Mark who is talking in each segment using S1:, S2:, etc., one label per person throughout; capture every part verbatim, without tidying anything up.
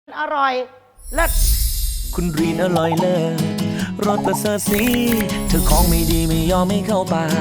S1: อร่อยเลิศ
S2: คุณรีนอร่อยเลิศรสประเสริฐสีเธอของไม่ดีไม่ยอมไม่เข้าปาก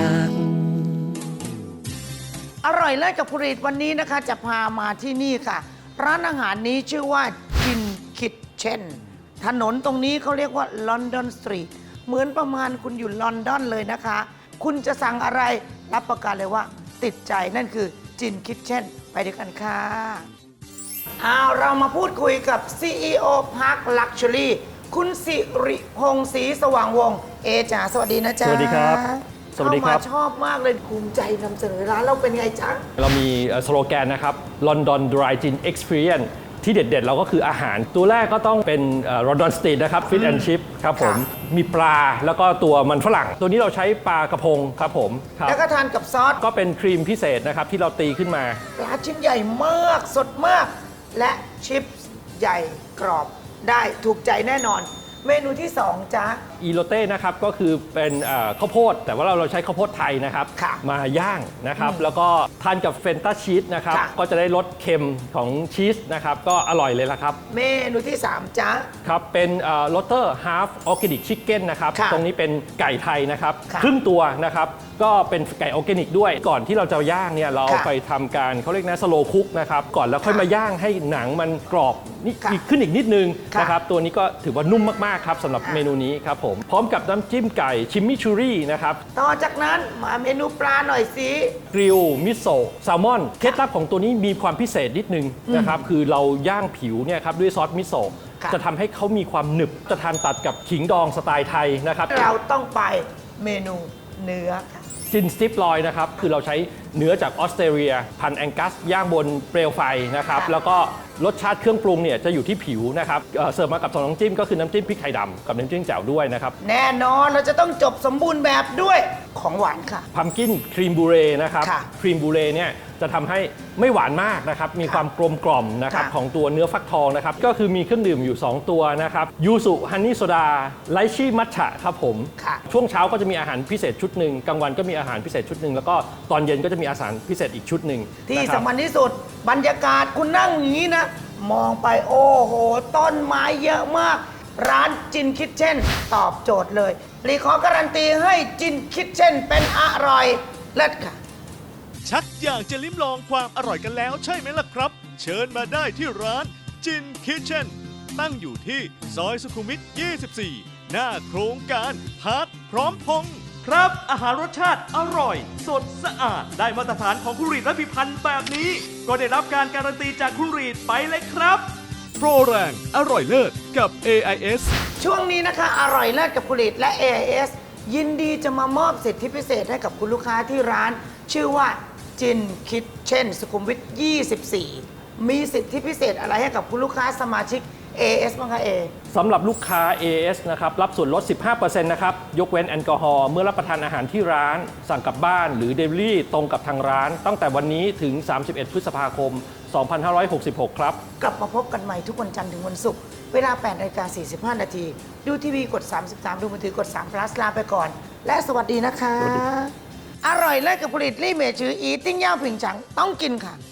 S1: อร่อยเลิศกับคุณรีดวันนี้นะคะจะพามาที่นี่ค่ะร้านอาหารนี้ชื่อว่าจินคิทเช่นถนนตรงนี้เขาเรียกว่าลอนดอนสตรีทเหมือนประมาณคุณอยู่ลอนดอนเลยนะคะ คุณจะสั่งอะไรรับประกันเลยว่าติดใจนั่นคือจินคิทเช่นไปด้วยกันค่ะเอาเรามาพูดคุยกับ ซี อี โอ Park Luxury คุณสิริพงศ์ศรีสว่างวงศ์เอจ๋าสวัสดีนะจ๊ะ
S3: สวัสดีครับสวัสดีครับ
S1: เข้ามาชอบมากเลยภูมิใจนำเสนอร้านเราเป็นไงจ๊ะ
S3: เรามีสโลแกนนะครับ London Dry Gin Experience ที่เด็ดๆ เราก็คืออาหารตัวแรกก็ต้องเป็นลอนดอนสตรีทนะครับ Fish and Chip ครับผม มีปลาแล้วก็ตัวมันฝรั่ง ตัวนี้เราใช้ปลากระพงครับผมครับ
S1: แล้วก็ทานกับซอส
S3: ก็เป็นครีมพิเศษนะครับที่เราตีขึ้นมา
S1: ปลาชิ้นใหญ่มากสดมาก และชิปส์ใหญ่กรอบได้ถูกใจแน่นอน เมนูที่สองจ๊ะ
S3: อีโรเต้นะครับก็คือเป็นเอ่อข้าวโพดแต่ว่าเราเราใช้ข้าวโพดไทยนะครับ
S1: ค่ะ
S3: มาย่างนะครับแล้วก็ทานกับเฟนต้าชีสนะครับ
S1: ค่ะ
S3: ก็จะได้รสเค็มของชีสนะครับก็อร่อยเลยละครับ
S1: เมนูที่สามจ๊ะ
S3: ครับเป็นโรเตอร์ฮาร์ฟออร์แกนิกชิคเก้นนะครับ
S1: ค่ะ
S3: ตรงนี้เป็นไก่ไทยนะครับ
S1: ค่ะ
S3: ครึ่งตัวนะครับก็เป็นไก่ออร์แกนิกด้วยก่อนที่เราจะย่างเนี่ยเรา
S1: ค่ะ
S3: ไปทำการเขาเรียกนะสโลคุกนะครับก่อนแล้วค่อย
S1: ค่ะ
S3: มาย่างให้หนังมันกรอบนี่
S1: ค่ะ
S3: อีกขึ้นอีกนิดนึง
S1: ค่ะ
S3: นะครับตัวนี้ก็ถือว่านุ่มมากๆครับสำหรับ
S1: ค่ะ
S3: เมนูนี้ครับผมพร้อมกับน้ำจิ้มไก่ชิมมิชูรี่นะครับ
S1: ต่อจากนั้นมาเมนูปลาหน่อยสิ
S3: กริลมิโซะแซลมอนเคล็ดลับของตัวนี้มีความพิเศษนิดนึงนะครับคือเราย่างผิวเนี่ยครับด้วยซอสมิโซะ
S1: ค่ะ
S3: จะทำให้เขามีความหนึบจะทานตัดกับขิงดองสไตล์ไทยนะครับ
S1: เราต้องไปเมนูเนื้อค่ะ
S3: จินสติปลอยนะครับคือเราใช้เนื้อจากออสเตรเลียพันธุ์แองกัสย่างบนเปลวไฟนะครับ
S1: ค่ะ
S3: แล้วก็รสชาติเครื่องปรุงเนี่ยจะอยู่ที่ผิวนะครับเอ่อเสิร์ฟมากับสองน้ำจิ้มก็คือน้ำจิ้มพริกไทยดำกับน้ำจิ้มแจ่วด้วยนะครับ
S1: แน่นอนเราจะต้องจบสมบูรณ์แบบด้วยของหวานค่ะ
S3: พัมกินครีมบูเรนะครับ
S1: ค่ะ
S3: ครีมบูเรเนี่ยจะทำให้ไม่หวานมากนะครับมี
S1: ค่ะ
S3: ความกลมกล่อมนะครับ
S1: ค่ะ
S3: ของตัวเนื้อฟักทองนะครับก็คือมีเครื่องดื่มอยู่ สอง ตัวนะครับยูสุฮันนี่โซดาไลชี่มัทฉะครับผม
S1: ค่ะ
S3: ช่วงเช้าก็จะมีอาหารพิเศษชุดหนึ่งกลางวันก็มีอาหารพิเศษชุดหนึ่งแล้วก็ตอนเย็นก็จะมีอาหารพิเศษอีกชุดหนึ่ง
S1: ที่
S3: นะครับ
S1: สำคัญที่สุดบรรยากาศคุณนั่งอย่างนี้นะ มองไปโอ้โห ต้นไม้เยอะมาก ร้านจินคิทเช่น ตอบโจทย์เลยรีขอการันตีให้จินคิทเช่นเป็นอร่อยเลิศค่ะ
S4: ชักอยากจะลิ้มลองความอร่อยกันแล้วใช่ไหมล่ะครับ เชิญมาได้ที่ร้านจินคิทเช่นตั้งอยู่ที่ซอยสุขุมวิท ยี่สิบสี่ หน้าโครงการพาร์ทพร้อมพงษ์ครับ อาหารรสชาติอร่อย สดสะอาดได้มาตรฐานของคุณรีดและพิพันธ์แบบนี้ ก็ได้รับการการันตีจากคุณรีดไปเลยครับ โปรแรงอร่อยเลิศกับ เอ ไอ เอส
S1: ช่วงนี้นะคะ อร่อยเลิศกับผลิตและ เอ ไอ เอส ยินดีจะมามอบสิทธิพิเศษให้กับคุณลูกค้าที่ร้าน ชื่อว่าจินคิทเช่นสุขุมวิท ยี่สิบสี่ มีสิทธิพิเศษอะไรให้กับคุณลูกค้าสมาชิก เอ เอส บ้างคะเอ
S3: สำหรับลูกค้า เอ เอส นะครับรับส่วนลด สิบห้าเปอร์เซ็นต์ นะครับยกเว้นแอลกอฮอล์เมื่อรับประทานอาหารที่ร้าน สั่งกลับบ้านหรือ Delivery ตรงกับทางร้าน ตั้งแต่วันนี้ถึง สามสิบเอ็ด พฤษภาคม สองพันห้าร้อยหกสิบหก ครับ
S1: กลับมาพบกันใหม่ทุกวันจันทร์ถึงวันศุกร์เวลา แปดนาฬิกาสี่สิบห้า นาที ดูทีวีกด สามสิบสาม ดูมือถือกด สาม plus ลาไปก่อน และสวัสดีนะคะ
S3: สวัสดี
S1: อร่อยเลิศกับผลิตลี่เมจืออีติ้งย่างผิงฉังต้องกินค่ะ